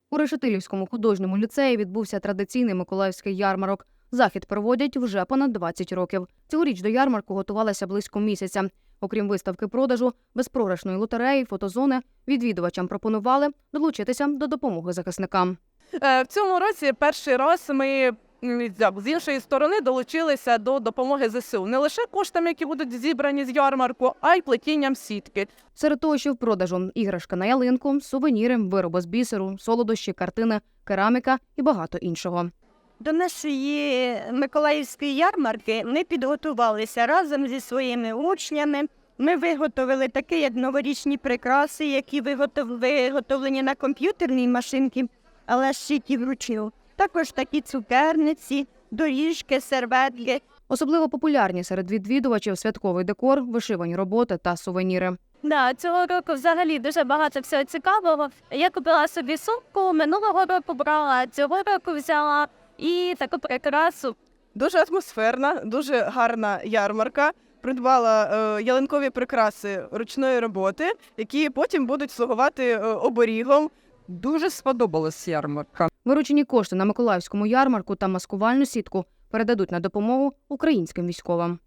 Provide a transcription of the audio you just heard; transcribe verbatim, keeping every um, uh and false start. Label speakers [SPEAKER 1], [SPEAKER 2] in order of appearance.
[SPEAKER 1] У Решетилівському художньому ліцеї відбувся традиційний миколаївський ярмарок. Захід проводять вже понад двадцять років. Цьогоріч до ярмарку готувалися близько місяця. Окрім виставки-продажу, безпрограшної лотереї, фотозони, відвідувачам пропонували долучитися до допомоги захисникам.
[SPEAKER 2] В цьому році перший раз ми з іншої сторони долучилися до допомоги зе се у. Не лише коштами, які будуть зібрані з ярмарку, а й плетінням сітки.
[SPEAKER 1] Серед того, що в продажу – іграшка на ялинку, сувеніри, вироби з бісеру, солодощі, картини, кераміка і багато іншого.
[SPEAKER 3] До нашої миколаївської ярмарки ми підготувалися разом зі своїми учнями. Ми виготовили такі, як новорічні прикраси, які виготовлені на комп'ютерній машинці, але шиті вручну. Також такі цукерниці, доріжки, серветки.
[SPEAKER 1] Особливо популярні серед відвідувачів святковий декор, вишивані роботи та сувеніри.
[SPEAKER 4] Да, цього року взагалі дуже багато всього цікавого. Я купила собі сумку, минулого року брала, цього року взяла і таку прикрасу.
[SPEAKER 2] Дуже атмосферна, дуже гарна ярмарка. Придбала е, ялинкові прикраси ручної роботи, які потім будуть слугувати е, оберігом.
[SPEAKER 5] Дуже сподобалась ярмарка.
[SPEAKER 1] Виручені кошти на миколаївському ярмарку та маскувальну сітку передадуть на допомогу українським військовим.